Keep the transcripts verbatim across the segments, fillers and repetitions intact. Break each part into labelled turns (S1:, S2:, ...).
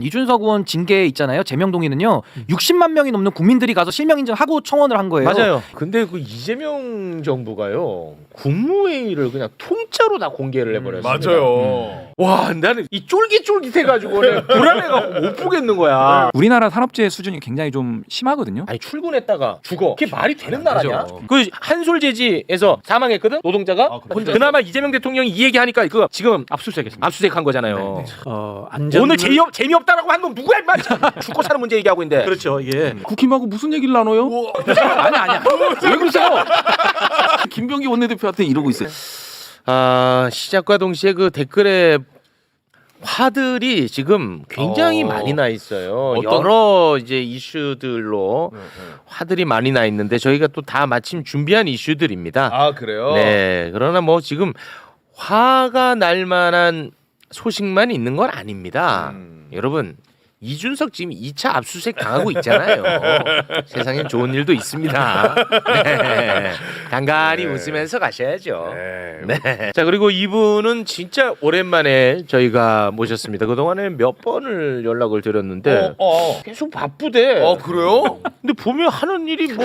S1: 이준석 의원 징계 있잖아요. 제명 동의는요. 육십만 명이 넘는 국민들이 가서 실명 인증하고 청원을 한 거예요.
S2: 맞아요. 근데 그 이재명 정부가요. 국무회의를 그냥 통째로 다 공개를 해버렸습니다.
S3: 맞아요.
S2: 음. 와, 나는 이 쫄깃쫄깃해가지고 불안해가지고 못 보겠는 거야.
S4: 우리나라 산업재해 수준이 굉장히 좀 심하거든요.
S2: 아니 출근했다가 죽어. 그게 말이 되는 나라냐?
S3: 되죠.
S2: 그 한솔제지에서 사망했거든 노동자가.
S3: 아, 그래?
S2: 그나마 이재명 대통령이 이 얘기하니까 그거 지금 압수수색했습니다. 압수수색한 거잖아요.
S5: 어, 안전
S2: 오늘 재미없, 재미없다라고 한 건 누구야 임마. 죽고 사는 문제 얘기하고 있는데.
S5: 그렇죠. 이게
S4: 국힘하고 무슨 얘기를 나눠요? 아니 아니야. 왜 그러세요? 김병기 원내대표한테 이러고 있어요.
S2: 아, 시작과 동시에 그 댓글에 화들이 지금 굉장히
S3: 어.
S2: 많이 나 있어요.
S3: 어떤-
S2: 여러 이제 이슈들로 화들이 많이 나 있는데 저희가 또 다 마침 준비한 이슈들입니다.
S3: 아 그래요?
S2: 네. 그러나 뭐 지금 화가 날 만한 소식만 있는 건 아닙니다.
S3: 음.
S2: 여러분 이준석 지금 이 차 압수수색 당하고 있잖아요. 세상엔 좋은 일도 있습니다. 네. 간간히
S3: 네.
S2: 웃으면서 가셔야죠.
S3: 네.
S2: 네. 자 그리고 이분은 진짜 오랜만에 저희가 모셨습니다. 그 동안에 몇 번을 연락을 드렸는데
S3: 어, 어.
S2: 계속 바쁘대.
S3: 어 그래요?
S2: 근데 보면 하는 일이 뭐,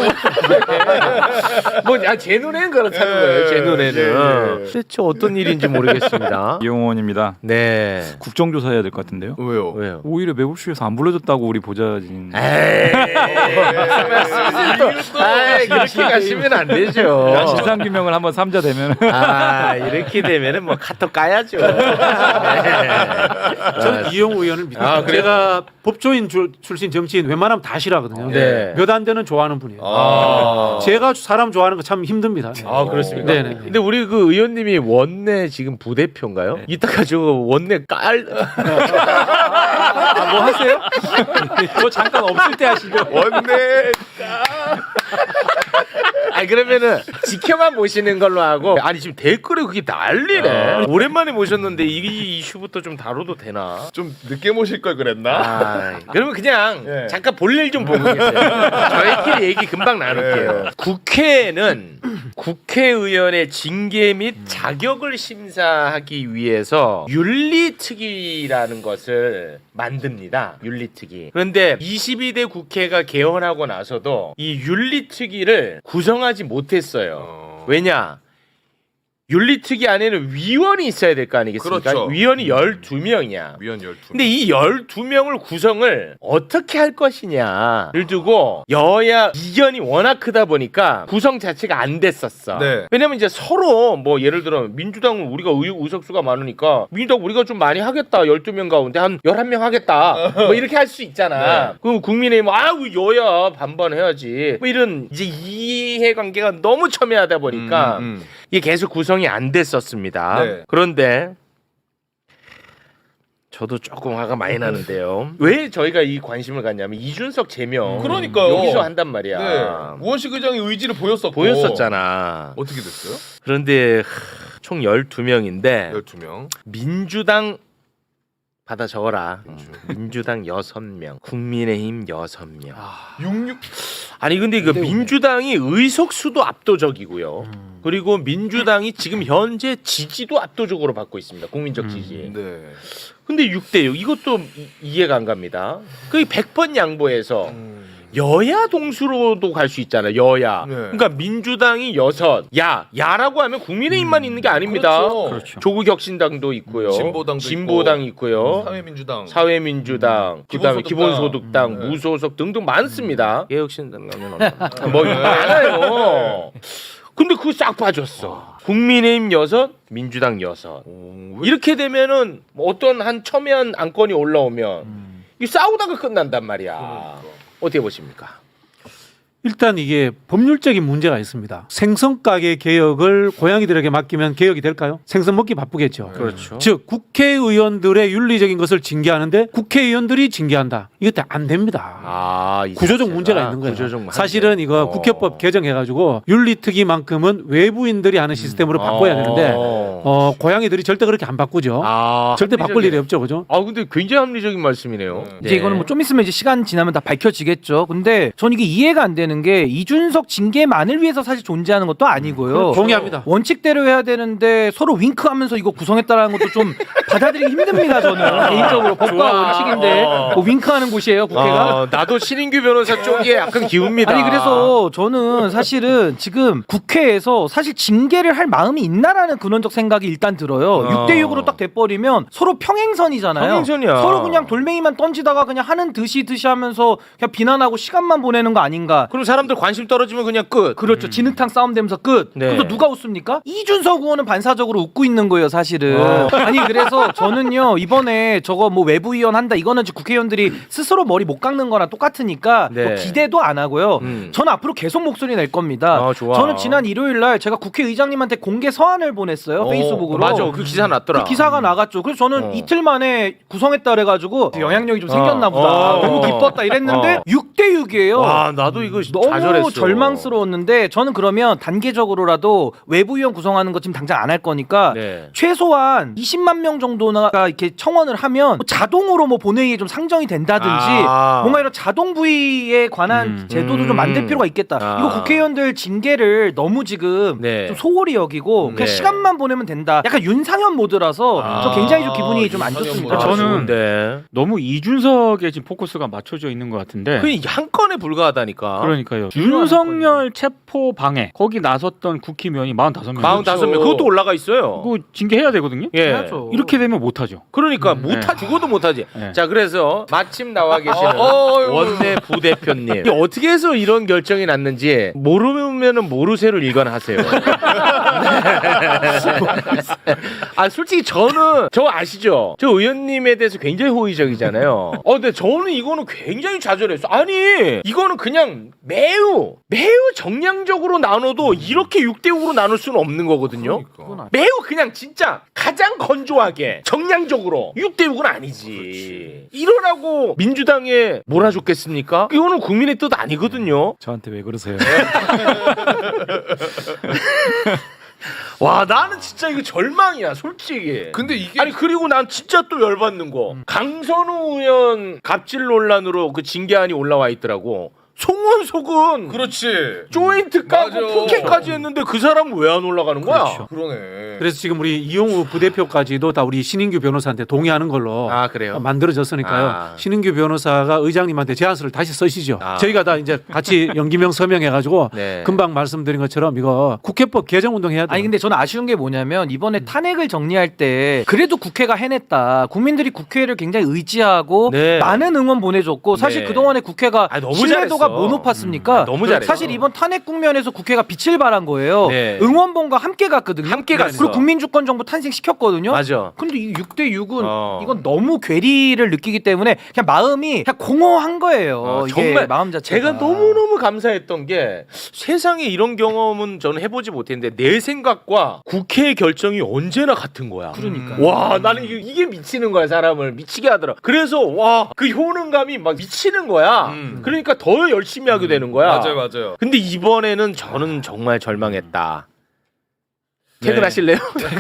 S2: 뭐제 눈에는 그렇다는
S3: 예,
S2: 거예요. 제 눈에는
S3: 예, 예.
S2: 대체 어떤 일인지 모르겠습니다.
S4: 이용원입니다.
S2: 네.
S4: 국정조사해야 될 것 같은데요.
S3: 왜요?
S2: 왜요?
S4: 오히려 매불쇼에서 안 불러줬다고 우리 보좌진.
S2: 에이, 아이, 그렇게 가시면 안 되죠.
S4: 진상 규명을 한번 삼자 되면.
S2: 아 이렇게 되면은 뭐 카톡 까야죠. 네.
S5: 저는 이용우 의원을 믿습니다.
S2: 아, 그래요?
S5: 제가 법조인 줄, 출신 정치인 웬만하면 다 싫어하거든요.
S2: 네.
S5: 몇 안 되는 좋아하는 분이에요.
S3: 아.
S5: 제가 사람 좋아하는 거 참 힘듭니다.
S2: 아 그렇습니까?
S5: 네네.
S2: 근데 우리 그 의원님이 원내 지금 부대표인가요? 이따가 저 원내 깔.
S5: 아, 뭐 하세요? 뭐 잠깐 없을 때 하시죠.
S3: 원내.
S2: 아니 그러면은 지켜만 보시는 걸로 하고 아니 지금 댓글에 그게 난리네. 오랜만에 모셨는데 이 이슈부터 좀 다뤄도 되나?
S3: 좀 늦게 모실 걸 그랬나?
S2: 아, 그러면 그냥
S3: 예.
S2: 잠깐 볼일 좀 보고 계세요. 저희끼리 얘기 금방 나눌게요.
S3: 예.
S2: 국회는 국회의원의 징계 및 자격을 심사하기 위해서 윤리특위라는 것을 만듭니다. 윤리특위. 그런데 이십이 대 국회가 개헌하고 나서도 이 윤리특위를 구성하지 못했어요.
S3: 어.
S2: 왜냐? 윤리특위 안에는 위원이 있어야 될 거 아니겠습니까?
S3: 그렇죠.
S2: 위원이 열두 명이야.
S3: 위원 열두.
S2: 근데 이 열두 명을 구성을 어떻게 할 것이냐를 두고 여야 이견이 워낙 크다 보니까 구성 자체가 안 됐었어.
S3: 네.
S2: 왜냐면 이제 서로 뭐 예를 들어 민주당은 우리가 의, 의석수가 많으니까 민주당 우리가 좀 많이 하겠다. 열두 명 가운데 한 열한 명 하겠다. 뭐 이렇게 할 수 있잖아.
S3: 네.
S2: 그럼 국민의힘 아우 여야 반반 해야지. 뭐 이런 이제 이해관계가 너무 첨예하다 보니까
S3: 음, 음.
S2: 이게 계속 구성이 안 됐었습니다.
S3: 네.
S2: 그런데 저도 조금 화가 많이 나는데요. 왜 저희가 이 관심을 갖냐면 이준석 제명
S3: 그러니까요.
S2: 여기서 한단 말이야.
S3: 네. 우원식 의장의 의지를 보였었고.
S2: 보였었잖아.
S3: 어떻게 됐어요?
S2: 그런데 하, 총 열두 명인데
S3: 열두 명.
S2: 민주당 받아 적어라. 민주당 여섯 명, 국민의힘 여섯 명.
S3: 육육.
S2: 아니 근데 그 민주당이 의석수도 압도적이고요. 그리고 민주당이 지금 현재 지지도 압도적으로 받고 있습니다. 국민적 지지.
S3: 네.
S2: 근데 육 대 육 이것도 이, 이해가 안 갑니다. 그 백 번 양보해서
S3: 음.
S2: 여야 동수로도 갈 수 있잖아. 여야.
S3: 네.
S2: 그러니까 민주당이 여섯, 야, 야라고 하면 국민의힘만 있는 게 아닙니다.
S3: 그렇죠.
S4: 그렇죠.
S2: 조국혁신당도 있고요.
S3: 진보당도
S2: 진보당 있고요.
S3: 사회민주당.
S2: 사회민주당, 그다음에
S3: 기본소득당.
S2: 기본소득당,
S3: 네.
S2: 무소속 등등 많습니다. 개혁신당 뭐 많아요. 근데 그거 싹 빠졌어. 국민의힘 여섯, 민주당 여섯.
S3: 오, 왜-
S2: 이렇게 되면은 뭐 어떤 한 첨예한 안건이 올라오면 이 싸우다가 끝난단 말이야. 어떻게 보십니까?
S5: 일단 이게 법률적인 문제가 있습니다. 생선 가게 개혁을 고양이들에게 맡기면 개혁이 될까요? 생선 먹기 바쁘겠죠.
S2: 그렇죠.
S5: 즉 국회의원들의 윤리적인 것을 징계하는데 국회의원들이 징계한다. 이것도 안 됩니다.
S2: 아, 이
S5: 구조적
S2: 자체가
S5: 문제가 있는 거예요.
S2: 구조적 문제.
S5: 사실은 이거
S2: 어.
S5: 국회법 개정해가지고 윤리특위만큼은 외부인들이 하는 시스템으로 바꿔야 되는데
S2: 어.
S5: 어, 고양이들이 절대 그렇게 안 바꾸죠.
S2: 아,
S5: 절대 바꿀
S2: 합리적이네.
S5: 일이 없죠, 그죠?
S2: 아 근데 굉장히 합리적인 말씀이네요.
S3: 네.
S1: 이제 이거는 뭐 좀 있으면 이제 시간 지나면 다 밝혀지겠죠. 근데 전 이게 이해가 안 되는 되는 게 이준석 징계만을 위해서 사실 존재하는 것도 아니고요.
S5: 동의합니다.
S1: 원칙대로 해야 되는데 서로 윙크하면서 이거 구성했다라는 것도 좀 받아들이기 힘듭니다. 저는 개인적으로 법과 원칙인데 뭐 윙크하는 곳이에요 국회가.
S2: 어, 나도 신인규 변호사 쪽에 약간 기웁니다.
S1: 아니 그래서 저는 사실은 지금 국회에서 사실 징계를 할 마음이 있나라는 근원적 생각이 일단 들어요.
S2: 어.
S1: 육 대 육으로 딱 돼버리면 서로 평행선이잖아요.
S2: 평행선이야.
S1: 서로 그냥 돌멩이만 던지다가 그냥 하는 듯이 듯이 하면서 그냥 비난하고 시간만 보내는 거 아닌가.
S2: 그럼 사람들 관심 떨어지면 그냥 끝.
S1: 그렇죠. 진흙탕 싸움 되면서 끝.
S2: 네.
S1: 그래서 누가 웃습니까? 이준석 의원은 반사적으로 웃고 있는 거예요, 사실은. 아니 그래서 저는요 이번에 저거 뭐 외부위원 한다 이거는 이제 국회의원들이 스스로 머리 못 깎는 거랑 똑같으니까
S2: 네.
S1: 뭐 기대도 안 하고요.
S2: 음.
S1: 저는 앞으로 계속 목소리 낼 겁니다.
S2: 아, 좋아.
S1: 저는 지난 일요일 날 제가 국회의장님한테 공개 서한을 보냈어요.
S2: 어,
S1: 페이스북으로.
S2: 맞아. 그 기사 났더라.
S1: 그 기사가 나갔죠. 그래서 저는
S2: 어.
S1: 이틀 만에 구성했다 그래가지고 영향력이 좀 생겼나
S2: 어.
S1: 보다.
S2: 어.
S1: 너무 기뻤다 이랬는데
S2: 어.
S1: 육 대 육이에요.
S2: 와, 나도 이거
S1: 너무
S2: 좌절했어.
S1: 절망스러웠는데 저는 그러면 단계적으로라도 외부위원 구성하는 거 지금 당장 안 할 거니까
S2: 네.
S1: 최소한 이십만 명 정도가 이렇게 청원을 하면 뭐 자동으로 뭐 본회의에 좀 상정이 된다든지
S2: 아.
S1: 뭔가 이런 자동 부의에 관한
S5: 음.
S1: 제도도
S2: 음.
S1: 좀 만들 필요가 있겠다.
S2: 아.
S1: 이거 국회의원들 징계를 너무 지금
S2: 네.
S1: 좀 소홀히 여기고 그냥
S2: 네.
S1: 시간만 보내면 된다. 약간 윤상현 모드라서
S2: 아.
S1: 저 굉장히 좀 기분이 좀 안
S3: 윤상현
S1: 좋습니다.
S3: 모드.
S6: 저는
S2: 좋은데.
S6: 너무 이준석에 지금 포커스가 맞춰져 있는 것 같은데.
S2: 그 한 건에 불과하다니까.
S6: 그러니까요.
S1: 중요한
S6: 윤석열 체포 방해 거기 나섰던 국회의원이 사십오 명.
S2: 사십오 명 그것도 올라가 있어요.
S6: 그거 징계해야 되거든요.
S2: 예.
S1: 해야죠.
S6: 이렇게 되면 못하죠.
S2: 그러니까
S6: 음,
S2: 못하
S6: 네.
S2: 죽어도 못하지.
S6: 네.
S2: 자 그래서 마침 나와 계시는
S3: 어, 어,
S2: 원내 부대표님 이게 어떻게 해서 이런 결정이 났는지 모르면은 모르쇠를 일관하세요. 아 솔직히 저는 저 아시죠? 저 의원님에 대해서 굉장히 호의적이잖아요. 어 근데 저는 이거는 굉장히 좌절했어. 아니 이거는 그냥 매우 매우 정량적으로 나눠도 이렇게 육 대 육으로 나눌 수는 없는 거거든요.
S3: 그러니까.
S2: 매우 그냥 진짜 가장 건조하게 정량적으로 육 대 육은 아니지. 이러라고 민주당에 몰아줬겠습니까? 이거는 국민의 뜻 아니거든요.
S5: 저한테 왜 그러세요?
S2: 와 나는 진짜 이거 절망이야 솔직히.
S3: 근데 이게
S2: 아니 그리고 난 진짜 또 열받는 거 강선우 의원 갑질 논란으로 그 징계안이 올라와 있더라고. 송원석은
S3: 그렇지.
S2: 조인트 까고
S3: 맞아.
S2: 포켓까지 했는데 그 사람은 왜 안 올라가는 거야?
S5: 그렇죠.
S3: 그러네.
S5: 그래서 지금 우리 이용우 부대표까지도 다 우리 신인규 변호사한테 동의하는 걸로
S2: 아 그래요?
S5: 만들어졌으니까요.
S2: 아.
S5: 신인규 변호사가 의장님한테 제안서를 다시 쓰시죠.
S2: 아.
S5: 저희가 다 이제 같이 연기명 서명해가지고
S2: 네.
S5: 금방 말씀드린 것처럼 이거 국회법 개정 운동해야 돼요.
S1: 아니 근데 저는 아쉬운 게 뭐냐면 이번에 탄핵을 정리할 때 그래도 국회가 해냈다. 국민들이 국회를 굉장히 의지하고
S2: 네.
S1: 많은 응원 보내줬고 사실
S2: 네.
S1: 그동안에 국회가
S2: 아, 너무
S1: 신뢰도가
S2: 잘했어.
S1: 뭐 높았습니까?
S2: 아, 너무 잘했어.
S1: 사실 이번 탄핵 국면에서 국회가 빛을 발한 거예요.
S2: 네.
S1: 응원봉과 함께 갔거든요.
S2: 함께 갔어.
S1: 그리고 국민주권 정부 탄생시켰거든요.
S2: 맞아.
S1: 근데 이 육 대 육은
S2: 어.
S1: 이건 너무 괴리를 느끼기 때문에 그냥 마음이 그냥 공허한 거예요.
S2: 어,
S1: 이게
S2: 정말
S1: 마음 자체가.
S2: 제가 너무너무 감사했던 게 세상에 이런 경험은 저는 해보지 못했는데 내 생각과 국회의 결정이 언제나 같은 거야.
S1: 그러니까.
S2: 와 나는 이게, 이게 미치는 거야 사람을 미치게 하더라. 그래서 와 그 효능감이 막 미치는 거야.
S3: 음.
S2: 그러니까 더 열심히 하게 되는 거야.
S3: 맞아요, 맞아요.
S2: 근데 이번에는 저는 정말 절망했다. 퇴근하실래요?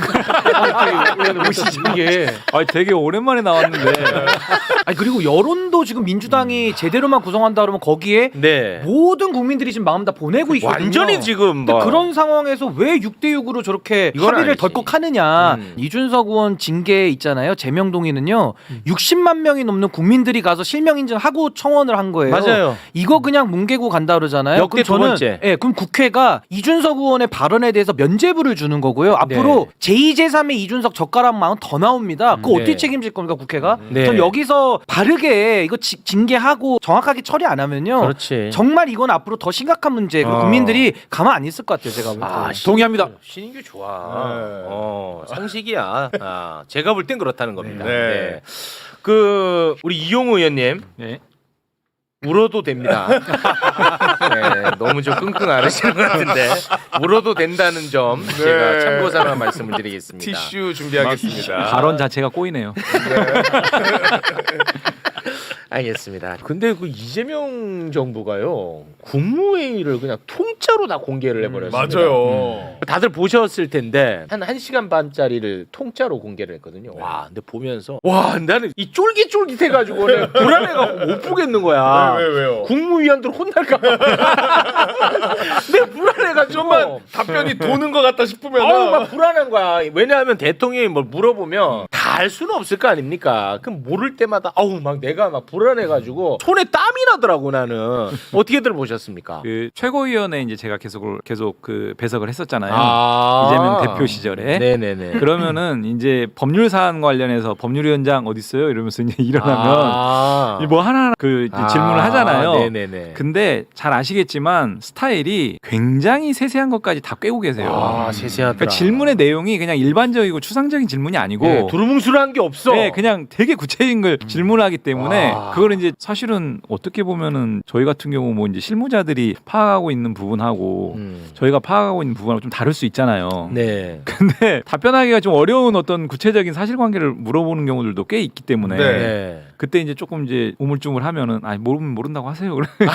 S5: 이게
S7: 아, 되게 오랜만에 나왔는데.
S1: 아니 그리고 여론도 지금 민주당이 제대로만 구성한다 그러면 거기에
S2: 네.
S1: 모든 국민들이 지금 마음 다 보내고 있거든요.
S2: 완전히 지금
S1: 근데
S2: 뭐.
S1: 그런 상황에서 왜 육 대 육으로 저렇게
S2: 이건
S1: 합의를
S2: 아니지.
S1: 덜컥 하느냐.
S2: 음.
S1: 이준석 의원 징계 있잖아요. 제명동의는요. 육십만 명이 넘는 국민들이 가서 실명 인증하고 청원을 한 거예요.
S2: 맞아요.
S1: 이거 그냥 뭉개고 간다 그러잖아요.
S2: 역대
S1: 그럼
S2: 두
S1: 저는
S2: 번째.
S1: 예, 그럼 국회가 이준석 의원의 발언에 대해서 면죄부를 주는 거고요. 앞으로
S2: 네.
S1: 제이 제삼의 이준석 젓가락망은 더 나옵니다. 그거
S2: 네.
S1: 어떻게 책임질 겁니까 국회가?
S2: 네.
S1: 전 여기서 바르게 이거 지- 징계하고 정확하게 처리 안 하면요.
S2: 그렇지.
S1: 정말 이건 앞으로 더 심각한 문제. 그리고
S2: 어.
S1: 국민들이 가만 안 있을 것 같아요. 제가 볼 때.
S2: 아,
S5: 동의합니다.
S2: 신인규 좋아.
S3: 네.
S2: 어, 상식이야. 아, 제가 볼 땐 그렇다는 겁니다.
S3: 네.
S2: 네. 그 우리 이용우 의원님
S6: 네.
S2: 울어도 됩니다. 네, 너무 좀 끙끙 앓으시는 것 같은데 울어도 된다는 점 제가
S3: 네.
S2: 참고삼아 말씀을 드리겠습니다.
S3: 티슈 준비하겠습니다.
S7: 발언 자체가 꼬이네요.
S2: 알겠습니다. 근데 그 이재명 정부가요 국무회의를 그냥 통짜로 다 공개를 해버렸습니다.
S3: 맞아요.
S2: 다들 보셨을 텐데 한 1시간 반짜리를 통짜로 공개를 했거든요. 와 근데 보면서 와 나는 이 쫄깃쫄깃해가지고 내가 불안해가지고 못 보겠는 거야.
S3: 왜, 왜, 왜요?
S2: 국무위원들 혼날까 봐. 내가 불안해가지고
S3: 좀만 답변이 도는 것 같다 싶으면
S2: 아우 막 불안한 거야. 왜냐하면 대통령이 뭘 물어보면 다 알 수는 없을 거 아닙니까? 그럼 모를 때마다 아우 막 내가 막 불안해가지고 손에 땀이 나더라고 나는. 어떻게들 보셨습니까?
S7: 그 최고위원회 이제 제가 계속 계속 그 배석을 했었잖아요.
S2: 아.
S7: 이재명 대표 시절에.
S2: 네네네.
S7: 그러면은 이제 법률 사안 관련해서 법률위원장 어디 있어요? 이러면서 이제 일어나면
S2: 아.
S7: 뭐 하나 그 이제
S2: 아.
S7: 질문을 하잖아요.
S2: 네네네.
S7: 근데 잘 아시겠지만 스타일이 굉장히 세세한 것까지 다 꿰고 계세요.
S2: 아 세세하더라.
S7: 그러니까 질문의 내용이 그냥 일반적이고 추상적인 질문이 아니고
S2: 네, 두루뭉술한 게 없어.
S7: 네, 그냥 되게 구체적인 걸 질문하기 때문에
S2: 와.
S7: 그걸 이제 사실은 어떻게 보면은 저희 같은 경우 뭐 이제 실무자들이 파악하고 있는 부분하고
S2: 음.
S7: 저희가 파악하고 있는 부분하고 좀 다를 수 있잖아요.
S2: 네.
S7: 근데 답변하기가 좀 어려운 어떤 구체적인 사실관계를 물어보는 경우들도 꽤 있기 때문에
S3: 네.
S2: 네.
S7: 그때 이제 조금 이제 우물쭈물하면은 아니 모르면 모른다고 하세요.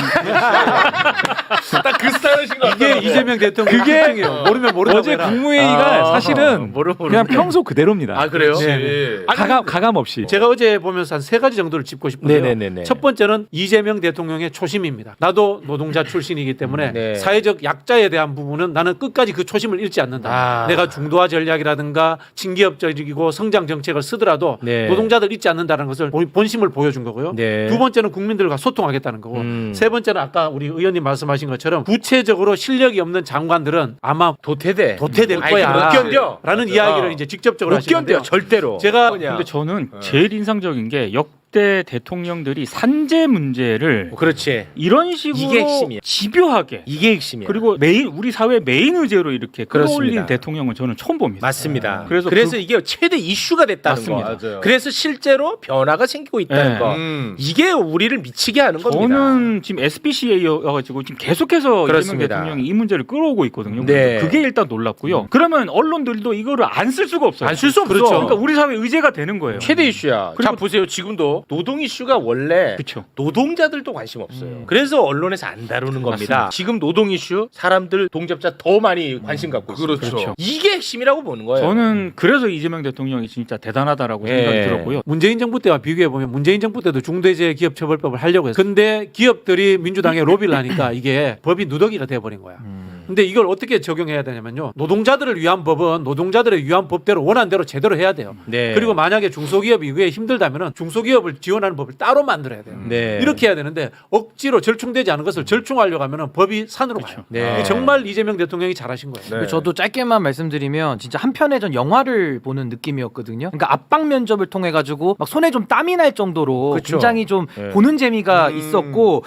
S3: 딱 그 스타일이신 것
S5: 이게
S3: 같아요.
S5: 이재명 대통령 특징이에요. 모르면 모른다고
S7: 어제
S5: 해라.
S7: 국무회의가
S2: 아,
S7: 사실은
S2: 모르-
S7: 그냥
S2: 모르는데.
S7: 평소 그대로입니다.
S2: 아 그래요?
S3: 그렇지.
S5: 네.
S7: 가감 가감 없이.
S5: 제가 어제 보면서 한 세 가지 정도를 짚고 싶은데요.
S2: 네네네네.
S5: 첫 번째는 이재명 대통령의 초심입니다. 나도 노동자 출신이기 때문에
S2: 네.
S5: 사회적 약자에 대한 부분은 나는 끝까지 그 초심을 잃지 않는다.
S2: 아.
S5: 내가 중도화 전략이라든가 친기업적이고 성장 정책을 쓰더라도
S2: 네.
S5: 노동자들 잊지 않는다는 것을 본- 본심을 보여준 거고요.
S2: 네.
S5: 두 번째는 국민들과 소통하겠다는 거고
S2: 음.
S5: 세 번째는 아까 우리 의원님 말씀하신 것처럼 구체적으로 실력이 없는 장관들은 아마
S2: 도태돼.
S5: 도태될
S2: 아니,
S5: 거야.
S2: 못 견뎌.
S5: 라는
S2: 맞아.
S5: 이야기를
S2: 어.
S5: 이제 직접적으로
S2: 못
S5: 하시는데요.
S2: 견뎌 절대로.
S5: 제가
S6: 근데 저는 제일 인상적인 게 역대 대통령들이 산재 문제를
S2: 그렇지.
S6: 이런 식으로
S2: 이게 핵심이야.
S6: 집요하게
S2: 이게 핵심이야.
S6: 그리고 메인 우리 사회 메인 의제로 이렇게 끌어올린
S2: 그렇습니다.
S6: 대통령은 저는 처음 봅니다.
S2: 맞습니다.
S6: 그래서
S2: 그래서,
S6: 그-
S2: 이게 최대 이슈가 됐다는
S6: 맞습니다.
S2: 거.
S3: 맞아요.
S2: 그래서 실제로 변화가 생기고 있다는
S6: 네.
S2: 거.
S3: 음.
S2: 이게 우리를 미치게 하는 겁니다.
S6: 저는 지금 에스피씨에이여가지고 지금 계속해서
S2: 그렇습니다.
S6: 이재명 대통령이 이 문제를 끌어오고 있거든요.
S2: 네.
S6: 그게 일단 놀랍고요. 그러면 언론들도 이거를 안 쓸 수가 없어요.
S2: 안 쓸 수 없어.
S6: 그렇죠. 그러니까 우리 사회 의제가 되는 거예요.
S2: 최대 이슈야.
S6: 그리고-
S2: 자 보세요. 지금도 노동 이슈가 원래
S6: 그렇죠.
S2: 노동자들도 관심 없어요. 그래서 언론에서 안 다루는 겁니다.
S6: 맞습니다.
S2: 지금 노동 이슈 사람들 동접자 더 많이 관심 갖고 있어요.
S3: 그렇죠.
S6: 그렇죠.
S2: 이게 핵심이라고 보는 거예요.
S6: 저는 그래서 이재명 대통령이 진짜 대단하다라고
S2: 예.
S6: 생각이 들었고요.
S5: 문재인 정부 때와 비교해 보면 문재인 정부 때도 중대재해 기업처벌법을 하려고 했어요. 근데 기업들이 민주당에 로비를 하니까 이게 법이 누더기가 돼 버린 거야. 근데 이걸 어떻게 적용해야 되냐면요. 노동자들을 위한 법은 노동자들을 위한 법대로 원하는 대로 제대로 해야 돼요.
S2: 네.
S5: 그리고 만약에 중소기업이 이게 힘들다면은 중소기업을 지원하는 법을 따로 만들어야 돼요.
S2: 네.
S5: 이렇게 해야 되는데 억지로 절충되지 않은 것을 절충하려고 하면은 법이 산으로 가요.
S2: 네.
S5: 이게 정말 이재명 대통령이 잘하신 거예요.
S3: 네.
S1: 저도 짧게만 말씀드리면 진짜 한 편의 전 영화를 보는 느낌이었거든요. 그러니까 압박 면접을 통해 가지고 막 손에 좀 땀이 날 정도로
S2: 그쵸.
S1: 굉장히 좀
S2: 네.
S1: 보는 재미가
S3: 음.
S1: 있었고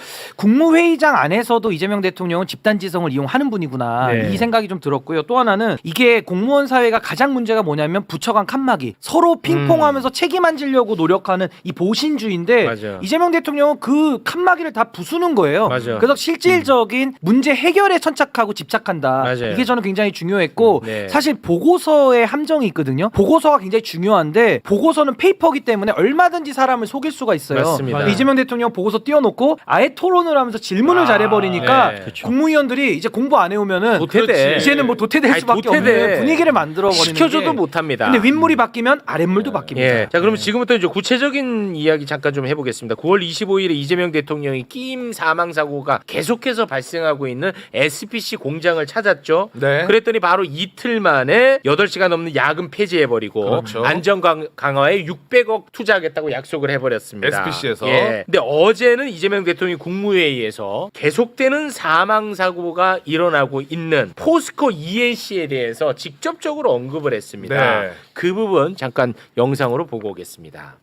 S1: 국무회의장 안에서도 이재명 대통령은 집단지성을 이용하는 분이구나
S2: 네.
S1: 이 생각이 좀 들었고요. 또 하나는 이게 공무원 사회가 가장 문제가 뭐냐면 부처 간 칸막이 서로 핑퐁하면서 책임 안 지려고 노력하는 이 보신주의인데
S2: 음. 맞아요.
S1: 이재명 대통령은 그 칸막이를 다 부수는 거예요.
S2: 맞아요.
S1: 그래서 실질적인 문제 해결에 천착하고 집착한다.
S2: 맞아요.
S1: 이게 저는 굉장히 중요했고
S2: 네.
S1: 사실 보고서의 함정이 있거든요. 보고서가 굉장히 중요한데 보고서는 페이퍼기 때문에 얼마든지 사람을 속일 수가 있어요.
S2: 맞습니다.
S1: 근데 이재명 대통령 보고서 띄워놓고 아예 토론을 하면서 질문을
S2: 아,
S1: 잘해버리니까
S2: 네. 그쵸.
S1: 국무위원들이 이제 공부 안 해오면은
S2: 도태돼.
S1: 이제는 뭐 도태될
S2: 아니,
S1: 수밖에
S2: 도태돼.
S1: 없는 분위기를 만들어버리는
S2: 시켜줘도
S1: 게.
S2: 못합니다.
S1: 근데 윗물이 바뀌면 아랫물도 바뀝니다.
S2: 예. 자, 그러면 지금부터 이제 구체적인 이야기 잠깐 좀 해보겠습니다. 구월 이십오일에 이재명 대통령이 끼임 사망 사고가 계속해서 발생하고 있는 에스피씨 공장을 찾았죠.
S3: 네.
S2: 그랬더니 바로 이틀 만에 여덟 시간 넘는 야근 폐지해버리고
S3: 그렇죠.
S2: 안전 강- 강화에 육백억 투자하겠다고 약속을 해버렸습니다.
S3: 에스피씨에서.
S2: 예. 근데 어제는 이재명 대통령이 국무회의에서 계속되는 사망 사고가 일어나고 있는 포스코 이엔씨에 대해서 직접적으로 언급을 했습니다.
S3: 네.
S2: 그 부분 잠깐 영상으로 보고 오겠습니다.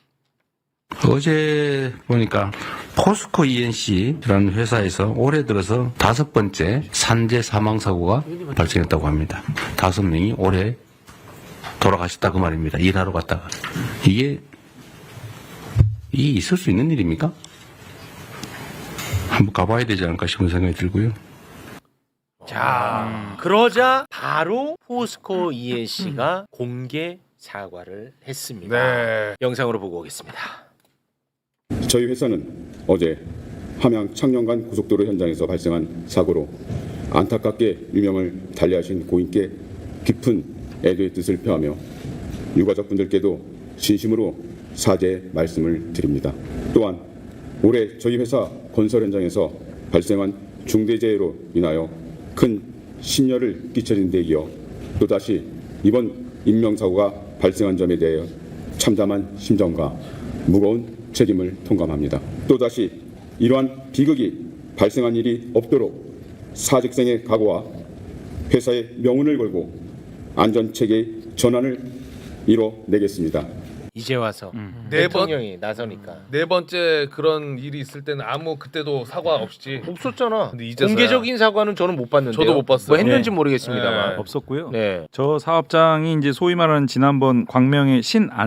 S8: 어제 보니까 포스코 이엔씨라는 회사에서 올해 들어서 다섯 번째 산재 사망 사고가 발생했다고 합니다. 다섯 명이 올해 돌아가셨다 그 말입니다. 일하러 갔다가. 이게 이게 있을 수 있는 일입니까? 한번 가봐야 되지 않을까 싶은 생각이 들고요.
S2: 자, 그러자 바로 포스코 이엔씨가 공개 사과를 했습니다.
S3: 네.
S2: 영상으로 보고 오겠습니다.
S9: 저희 회사는 어제 함양 창녕간 고속도로 현장에서 발생한 사고로 안타깝게 유명을 달리하신 고인께 깊은 애도의 뜻을 표하며 유가족분들께도 진심으로 사죄의 말씀을 드립니다. 또한 올해 저희 회사 건설 현장에서 발생한 중대재해로 인하여 큰 심려를 끼쳐진 데 이어 또다시 이번 인명사고가 발생한 점에 대해 참담한 심정과 무거운 책임을 통감합니다. 또다시 이러한 비극이 발생한 일이 없도록 사직생의 각오와 회사의 명운을 걸고 안전체계의 전환을 이뤄내겠습니다.
S2: 이제 와서
S3: 네 번-
S2: 대통령이 나서니까
S3: 네 번째 그런 일이 있을 때는 아무 그때도 사과 없이
S2: 없었잖아.
S3: 근데 이제서야-
S2: 공개적인 사과는 저는 못 봤는데.
S3: 저도 못 봤어요.
S2: 뭐 했는지
S3: 네.
S2: 모르겠습니다만.
S3: 네.
S7: 없었고요.
S2: 네.
S7: 저 사업장이 이제 소위 말하는 지난번 광명의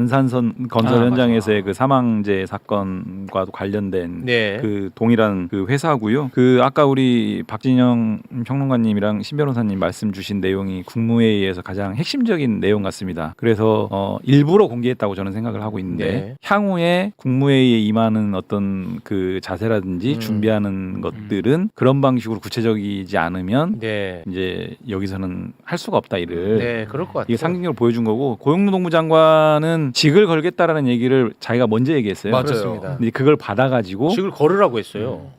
S7: 신안산선 건설
S2: 아,
S7: 현장에서의 그 사망재 사건과도 관련된
S2: 네.
S7: 그 동일한 그 회사고요. 그 아까 우리 박진영 평론가님이랑 신 변호사님 말씀 주신 내용이 국무회의에서 가장 핵심적인 내용 같습니다. 그래서 어, 일부러 공개했다고 저는 생각을 하고 있는데
S2: 네.
S7: 향후에 국무회의에 임하는 어떤 그 자세라든지
S2: 음.
S7: 준비하는 것들은 그런 방식으로 구체적이지 않으면
S2: 네.
S7: 이제 여기서는 할 수가 없다 이를.
S2: 네, 그럴 것 같아요.
S7: 이게 상징적으로 보여준 거고 고용노동부 장관은 직을 걸겠다라는 얘기를 자기가 먼저 얘기했어요.
S3: 맞아요.
S2: 그렇습니다.
S7: 근데 그걸 받아가지고
S2: 직을 걸으라고 했어요.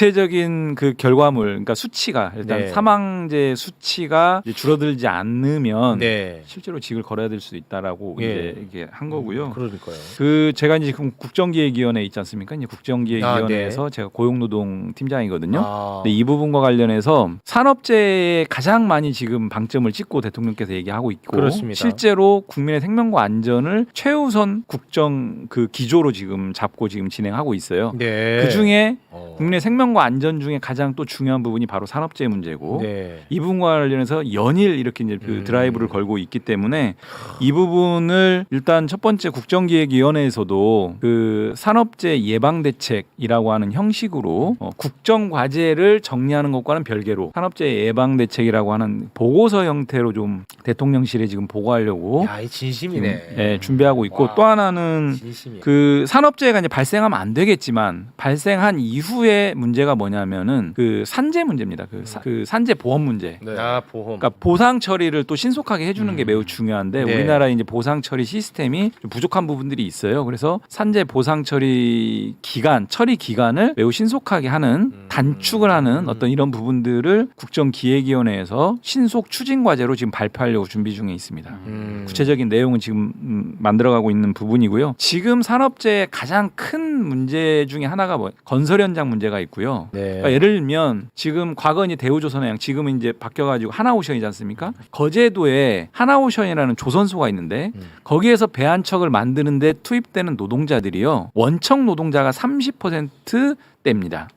S7: 구체적인 그 결과물, 그러니까 수치가 일단
S2: 네.
S7: 사망제 수치가 이제 줄어들지 않으면
S2: 네.
S7: 실제로 직을 걸어야 될 수 있다라고
S2: 예.
S7: 이제 이게 한 거고요.
S2: 그러니까요.
S7: 그 제가 이제 지금 국정기획위원회 있지 않습니까? 이제 국정기획위원회에서
S2: 아,
S7: 제가 고용노동 팀장이거든요.
S2: 아.
S7: 근데 이 부분과 관련해서 산업재해에 가장 많이 지금 방점을 찍고 대통령께서 얘기하고 있고
S2: 그렇습니다.
S7: 실제로 국민의 생명과 안전을 최우선 국정 그 기조로 지금 잡고 지금 진행하고 있어요.
S2: 네.
S7: 그 중에
S2: 어.
S7: 국민의 생명과 안전 중에 가장 또 중요한 부분이 바로 산업재해 문제고
S2: 네.
S7: 이 부분과 관련해서 연일 이렇게 이제 그
S2: 음.
S7: 드라이브를 걸고 있기 때문에 이 부분을 일단 첫 번째 국정기획위원회에서도 그 산업재해 예방대책이라고 하는 형식으로 어, 국정과제를 정리하는 것과는 별개로 산업재해 예방대책이라고 하는 보고서 형태로 좀 대통령실에 지금 보고하려고
S2: 야, 이 진심이네.
S7: 예, 준비하고 있고
S2: 와.
S7: 또 하나는
S2: 진심이야.
S7: 그 산업재해가 이제 발생하면 안 되겠지만 발생한 이후에 문제가 뭐냐면은 그 산재 문제입니다. 그, 사- 그 산재 보험 문제.
S3: 네.
S2: 아, 보험.
S7: 그러니까 보상 처리를 또 신속하게 해주는 게 매우 중요한데
S2: 네.
S7: 우리나라 이제 보상 처리 시스템이 좀 부족한 부분들이 있어요. 그래서 산재 보상 처리 기간, 처리 기간을 매우 신속하게 하는 단축을 하는 어떤 이런 부분들을 국정기획위원회에서 신속 추진 과제로 지금 발표하려고 준비 중에 있습니다.
S2: 음.
S7: 구체적인 내용은 지금 음, 만들어가고 있는 부분이고요. 지금 산업재해 가장 큰 문제 중에 하나가 뭐 건설 현장 문제가 있고요.
S2: 네.
S7: 그러니까 예를 들면 지금 과거는 대우조선해양 지금은 이제 바뀌어가지고 하나오션이지 않습니까? 거제도에 하나오션이라는 조선소가 있는데
S2: 음.
S7: 거기에서 배 한 척을 만드는데 투입되는 노동자들이요 원청 노동자가 삼십 퍼센트대입니다.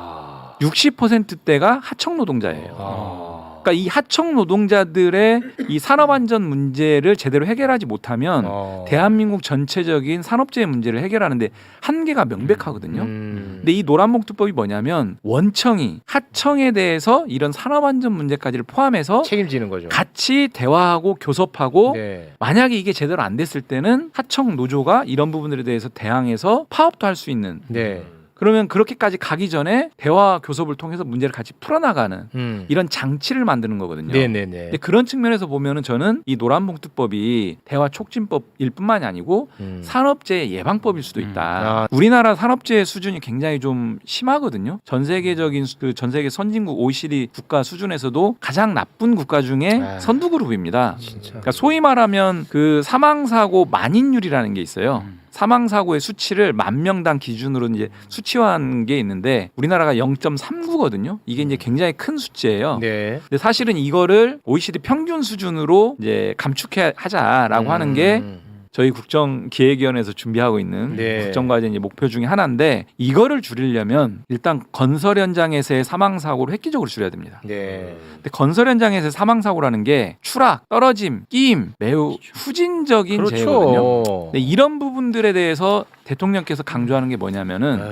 S2: 아.
S7: 육십 퍼센트대가 하청 노동자예요.
S2: 아.
S7: 그러니까 이 하청 노동자들의 이 산업안전 문제를 제대로 해결하지 못하면
S2: 어.
S7: 대한민국 전체적인 산업재해 문제를 해결하는데 한계가 명백하거든요.
S2: 음.
S7: 근데 이 노란봉투법이 뭐냐면 원청이 하청에 대해서 이런 산업안전 문제까지를 포함해서
S2: 책임지는 거죠.
S7: 같이 대화하고 교섭하고
S2: 네.
S7: 만약에 이게 제대로 안 됐을 때는 하청 노조가 이런 부분들에 대해서 대항해서 파업도 할 수 있는
S2: 네.
S7: 그러면 그렇게까지 가기 전에 대화 교섭을 통해서 문제를 같이 풀어나가는
S2: 음.
S7: 이런 장치를 만드는 거거든요.
S2: 네네네.
S7: 근데 그런 측면에서 보면은 저는 이 노란봉투법이 대화 촉진법일 뿐만이 아니고
S2: 음.
S7: 산업재해 예방법일 수도 있다.
S2: 아.
S7: 우리나라 산업재해 수준이 굉장히 좀 심하거든요. 전 세계적인 그 전 세계 선진국 오이시디 국가 수준에서도 가장 나쁜 국가 중에
S2: 아.
S7: 선두 그룹입니다.
S2: 진짜.
S7: 그러니까 소위 말하면 그 사망 사고 만인율이라는 게 있어요. 사망 사고의 수치를 만 명당 기준으로 이제 수치화한 게 있는데 우리나라가 영 점 삼구거든요. 이게 이제 굉장히 큰 수치예요.
S2: 네.
S7: 근데 사실은 이거를 오이시디 평균 수준으로 이제 감축해 하자라고
S2: 음.
S7: 하는 게 저희 국정기획위원회에서 준비하고 있는
S2: 네.
S7: 국정과제 이제 목표 중에 하나인데 이거를 줄이려면 일단 건설 현장에서의 사망 사고를 획기적으로 줄여야 됩니다.
S2: 네.
S7: 근데 건설 현장에서의 사망 사고라는 게 추락, 떨어짐, 끼임 매우 후진적인
S2: 그렇죠.
S7: 재해거든요. 근데 이런 부분들에 대해서 대통령께서 강조하는 게 뭐냐면은
S2: 아유.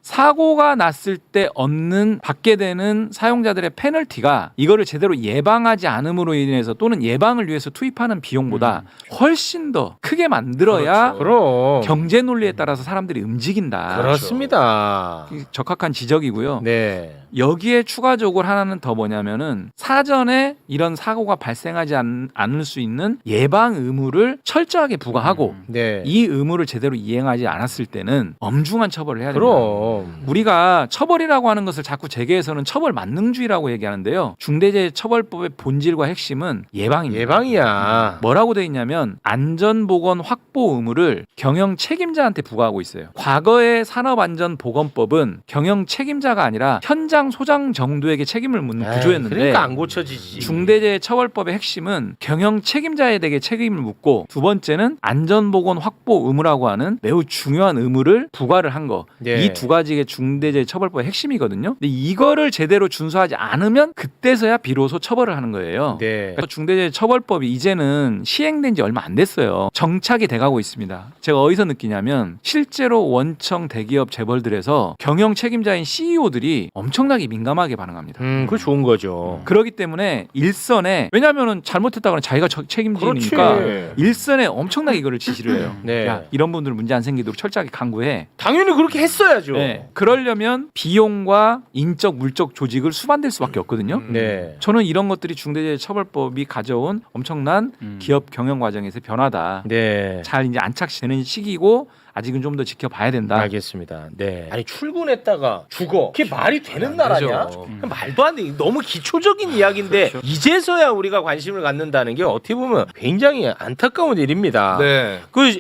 S7: 사고가 났을 때 얻는 받게 되는 사용자들의 페널티가 이거를 제대로 예방하지 않음으로 인해서 또는 예방을 위해서 투입하는 비용보다 훨씬 더 크게 만들어야
S2: 그럼
S7: 경제 논리에 따라서 사람들이 움직인다.
S2: 그렇습니다.
S7: 적합한 지적이고요.
S2: 네.
S7: 여기에 추가적으로 하나는 더 뭐냐면은 사전에 이런 사고가 발생하지 않, 않을 수 있는 예방 의무를 철저하게 부과하고
S2: 네.
S7: 이 의무를 제대로 이행하지 않았을 때는 엄중한 처벌을 해야 됩니다.
S2: 그럼
S7: 우리가 처벌이라고 하는 것을 자꾸 재계에서는 처벌 만능주의라고 얘기하는데요. 중대재해처벌법의 본질과 핵심은 예방입니다.
S2: 예방이야.
S7: 뭐라고 돼 있냐면 안전보건 확보 의무를 경영 책임자한테 부과하고 있어요. 과거의 산업안전보건법은 경영 책임자가 아니라 현장 소장 정도에게 책임을 묻는
S2: 에이,
S7: 구조였는데
S2: 그러니까 안 고쳐지지.
S7: 중대재해처벌법의 핵심은 경영 책임자에게 책임을 묻고 두 번째는 안전보건 확보 의무라고 하는 매우 중요한 의무를 부과를 한 거.
S2: 네.
S7: 이 두 가지가 중대재해처벌법의 핵심이거든요. 근데 이거를 제대로 준수하지 않으면 그때서야 비로소 처벌을 하는 거예요.
S2: 네.
S7: 그래서 중대재해처벌법이 이제는 시행된 지 얼마 안 됐어요. 정착이 돼가고 있습니다. 제가 어디서 느끼냐면 실제로 원청 대기업 재벌들에서 경영 책임자인 씨이오들이 엄청나게 민감하게 반응합니다.
S2: 음, 그거 좋은 거죠.
S7: 그렇기 때문에 일선에 왜냐하면은 잘못했다거나 자기가 저- 책임지니까
S2: 그렇지.
S7: 일선에 엄청나게 이거를 지시를 해요.
S2: 네.
S7: 야, 이런 분들 문제 안 생기도록 철저하게 강구해.
S2: 당연히 그렇게 했어야죠.
S7: 네. 그러려면 비용과 인적 물적 조직을 수반될 수밖에 없거든요.
S2: 네.
S7: 저는 이런 것들이 중대재해처벌법이 가져온 엄청난
S6: 음.
S7: 기업 경영 과정에서의 변화다.
S2: 네.
S7: 잘 이제 안착되는 시기고 아직은 좀 더 지켜봐야 된다.
S2: 알겠습니다. 네. 아니 출근했다가 죽어. 그게 말이 되는 나라냐?
S3: 되죠.
S2: 말도 안 돼. 너무 기초적인 이야기인데 이제서야 우리가 관심을 갖는다는 게 어떻게 보면 굉장히 안타까운 일입니다.
S3: 네.
S2: 그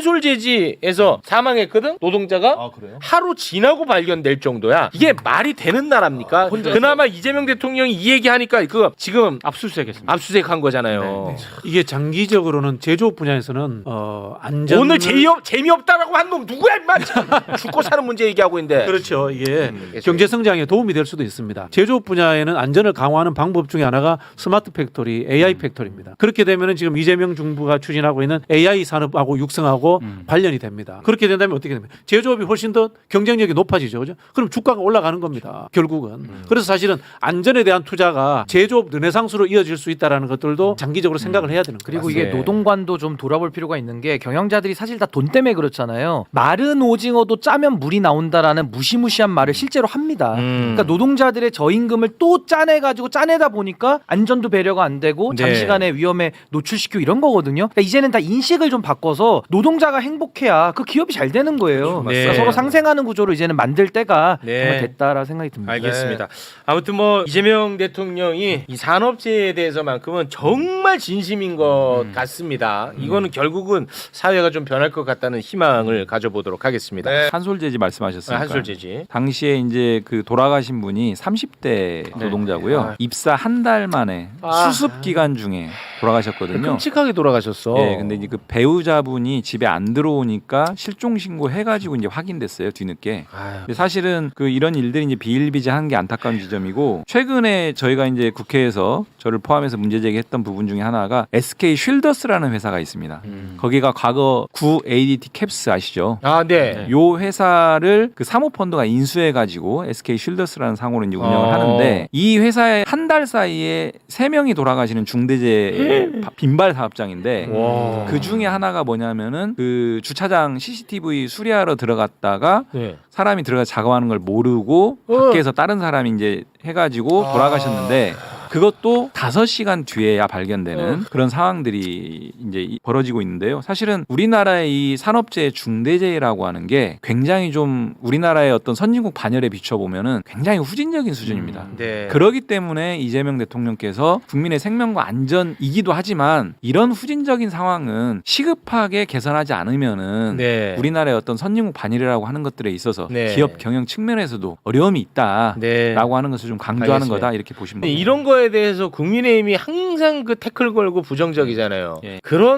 S2: 한솔제지에서 사망했거든 노동자가
S3: 아 그래요?
S2: 하루 지나고 발견될 정도야. 이게 말이 되는 나라입니까? 그나마 이재명 대통령이 이 얘기하니까 그 지금
S6: 압수수색했습니다.
S2: 압수수색한 거잖아요.
S5: 이게 장기적으로는 제조업 분야에서는 어, 안전
S2: 오늘 재미없 재미없다라고 한 놈 누구야 임마? 죽고 사는 문제 얘기하고 있는데.
S5: 그렇죠. 이게
S2: 음,
S5: 경제 성장에 도움이 될 수도 있습니다. 제조업 분야에는 안전을 강화하는 방법 중에 하나가 스마트 팩토리, 에이아이 팩토리입니다. 그렇게 되면은 지금 이재명 정부가 추진하고 있는 에이아이 산업하고 육성하고
S6: 음.
S5: 관련이 됩니다. 그렇게 된다면 어떻게 됩니까? 제조업이 훨씬 더 경쟁력이 높아지죠. 그죠? 그럼 주가가 올라가는 겁니다. 결국은. 그래서 사실은 안전에 대한 투자가 제조업 르네상스로 이어질 수 있다라는 것들도 장기적으로 생각을 해야 되는 거예요.
S1: 그리고 이게 노동관도 좀 돌아볼 필요가 있는 게 경영자들이 사실 다 돈 때문에 그렇잖아요. 마른 오징어도 짜면 물이 나온다라는 무시무시한 말을 실제로 합니다.
S2: 음.
S1: 그러니까 노동자들의 저임금을 또 짜내가지고 짜내다 보니까 안전도 배려가 안 되고
S2: 네.
S1: 장시간의 위험에 노출시키고 이런 거거든요. 그러니까 이제는 다 인식을 좀 바꿔서 노동자가 행복해야 그 기업이 잘 되는 거예요.
S2: 네.
S1: 그러니까 서로 상생하는 구조로 이제는 만들 때가
S2: 네.
S1: 정말 됐다라는 생각이 듭니다.
S2: 알겠습니다. 아무튼 뭐 이재명 대통령이 이 산업재해에 대해서만큼은 정말 진심인 것 같습니다. 이거는 결국은 사회가 좀 변할 것 같다는 희망을 가져보도록 하겠습니다.
S3: 네.
S7: 한솔제지 말씀하셨으니까.
S2: 한솔제지.
S7: 당시에 이제 그 돌아가신 분이 삼십 대 노동자고요.
S2: 아.
S7: 입사 한 달 만에
S2: 아.
S7: 수습 기간 중에 돌아가셨거든요.
S2: 끔찍하게 돌아가셨어.
S7: 예, 근데 이제 그 배우자분이 집에 안 들어오니까 실종 신고 해가지고 이제 확인됐어요 뒤늦게.
S2: 아유.
S7: 근데 사실은 그 이런 일들이 이제 비일비재한 게 안타까운 지점이고 최근에 저희가 이제 국회에서 저를 포함해서 문제 제기했던 부분 중에 하나가 에스케이 쉴더스라는 회사가 있습니다.
S2: 음.
S7: 거기가 과거 구 에이디티 캡스 아시죠?
S2: 아, 네.
S7: 요 회사를 그 사모펀드가 인수해가지고 에스케이 쉴더스라는 상호로 이제 운영을
S2: 어.
S7: 하는데 이 회사에 한 달 사이에 세 명이 돌아가시는 중대재해 바- 빈발 사업장인데
S2: 와.
S7: 그 중에 하나가 뭐냐면은 그 주차장 씨씨티비 수리하러 들어갔다가
S2: 네.
S7: 사람이 들어가 작업하는 걸 모르고
S2: 어.
S7: 밖에서 다른 사람이 이제 해가지고 돌아가셨는데 그것도 다섯 시간 뒤에야 발견되는 그런 상황들이 이제 이- 벌어지고 있는데요. 사실은 우리나라의 이 산업재해 중대재해라고 하는 게 굉장히 좀 우리나라의 어떤 선진국 반열에 비춰보면은 굉장히 후진적인 수준입니다.
S2: 네.
S7: 그러기 때문에 이재명 대통령께서 국민의 생명과 안전이기도 하지만 이런 후진적인 상황은 시급하게 개선하지 않으면은
S2: 네.
S7: 우리나라의 어떤 선진국 반열이라고 하는 것들에 있어서
S2: 네.
S7: 기업 경영 측면에서도 어려움이 있다라고
S2: 네.
S7: 하는 것을 좀 강조하는
S2: 알겠습니다.
S7: 거다 이렇게 보시면
S2: 근데
S7: 됩니다.
S2: 이런 거에 대해서 국민의힘이 항상 그 태클 걸고 부정적이잖아요.
S7: 예.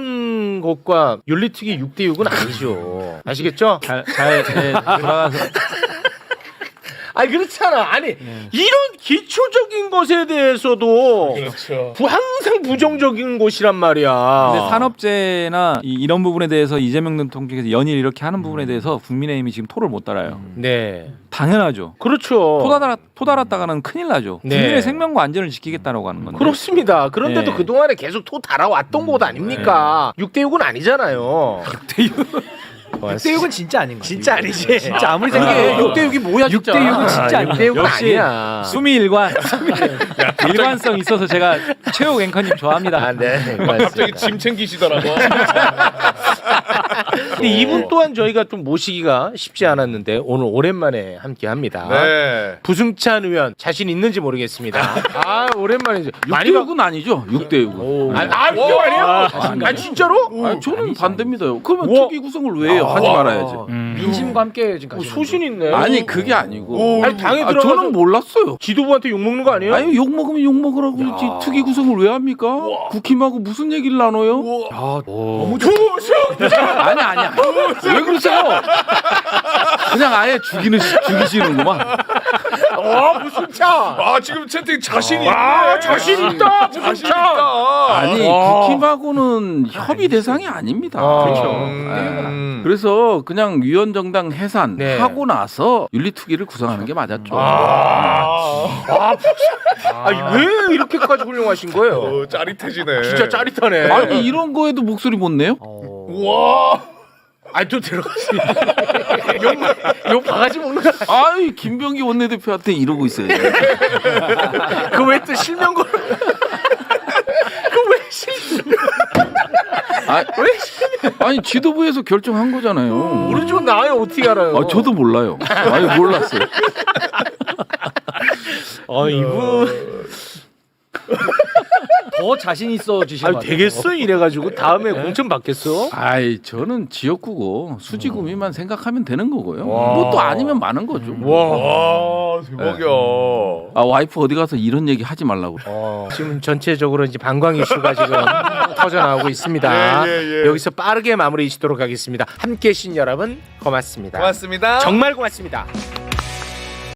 S2: 그런 것과 윤리특위 육 대 육은 아니죠. 아시겠죠?
S7: 잘, 잘 예, 돌아가서
S2: 아니 그렇잖아. 아니
S7: 예.
S2: 이런 기초적인 것에 대해서도
S3: 그렇죠.
S2: 부- 항상 부정적인 것이란 말이야.
S7: 근데 산업재해나 이, 이런 부분에 대해서 이재명 대통령께서 연일 이렇게 하는 부분에 대해서 국민의힘이 지금 토를 못 달아요.
S2: 네.
S7: 당연하죠.
S2: 그렇죠.
S7: 토달아 토달았다가는 큰일 나죠.
S2: 네.
S7: 국민의 생명과 안전을 지키겠다라고 하는 건데.
S2: 그렇습니다. 그런데도
S7: 네.
S2: 그동안에 계속 토 달아왔던 곳 아닙니까? 육 대 육은 아니잖아요. 육 대 육.
S1: 육 대 육은 진짜 아닌 거야.
S2: 진짜 아니지.
S1: 진짜 아무리
S4: 이게
S1: 생각해도
S4: 육 대 육이 뭐야
S1: 육 대
S4: 진짜.
S1: 육은 진짜 아니야.
S2: 육 대 육은
S7: 역시
S2: 아니야.
S7: 수미 일관 일관성 있어서 제가 최욱 앵커님 좋아합니다.
S2: 아, 네.
S3: 갑자기 짐 챙기시더라고.
S2: 근데 이분 또한 저희가 좀 모시기가 쉽지 않았는데 오늘 오랜만에 함께합니다.
S3: 네.
S2: 부승찬 의원 자신 있는지 모르겠습니다. 아 오랜만이죠.
S4: 육 대 육은 아니죠. 육 대 육은.
S2: 아, 아 육 대 육 아니에요?
S4: 아,
S2: 아 진짜로?
S4: 아니, 저는 반대입니다. 그러면
S2: 우와.
S4: 특위 구성을 왜 해요? 하지 말아야지.
S6: 음.
S1: 민심과 함께 지금
S2: 어,
S1: 가시는
S2: 소신 있네.
S4: 아니 그게 아니고.
S2: 아니 당에
S4: 아,
S2: 들어가서
S4: 저는 몰랐어요.
S2: 지도부한테 욕 먹는 거 아니에요?
S4: 아니 욕 먹으면 욕 먹으라고 그러지 특위 구성을 왜 합니까? 국힘하고 무슨 얘기를 나눠요?
S2: 너무 좋으셔.
S4: 아니 아니야. 왜 그러세요? 그냥 아예 죽이는 죽이시는구만.
S2: 어 부승찬.
S3: 아 지금 채팅 자신이
S2: 아
S3: 있네.
S2: 자신 있다.
S3: 자신
S2: 부승찬.
S3: 있다.
S4: 아니
S2: 와.
S4: 국힘하고는 협의 대상이 아닙니다.
S2: 아,
S4: 그렇죠.
S3: 음.
S4: 그래서 그냥 위원정당 해산
S2: 네.
S4: 하고 나서 윤리특위를 구성하는 게 맞았죠.
S2: 아, 아, 아, 왜 이렇게까지 훌륭하신 거예요?
S3: 어, 짜릿해지네.
S2: 진짜 짜릿하네.
S4: 아니 이런 거에도 목소리 못 내요?
S3: 와.
S2: 아니 또 들어갔습니다. 욕, 욕 바가지 먹는 거.
S4: 아이 김병기 원내대표한테 이러고 있어요.
S2: 그왜 또 실명걸? 그왜 실?
S4: 아, 아니 지도부에서 결정한 거잖아요.
S2: 모르죠 나요 어떻게 알아요?
S4: 아, 저도 몰라요. 아니 몰랐어요.
S2: 아 이분
S1: 더 자신 있어 주신
S2: 아
S1: 것 같아요.
S2: 되겠어 이래가지고 다음에 공천 받겠어?
S4: 아이 저는 지역구고 수지구미만 생각하면 되는 거고요. 뭐 또 아니면 많은 거죠.
S3: 와 대박이야.
S4: 아 와이프 어디 가서 이런 얘기 하지 말라고.
S2: 어, 지금 전체적으로 이제 방광 이슈가 지금 터져 나오고 있습니다.
S3: 예, 예, 예.
S2: 여기서 빠르게 마무리 짓도록 하겠습니다. 함께해 주신 여러분 고맙습니다.
S3: 고맙습니다.
S2: 정말 고맙습니다.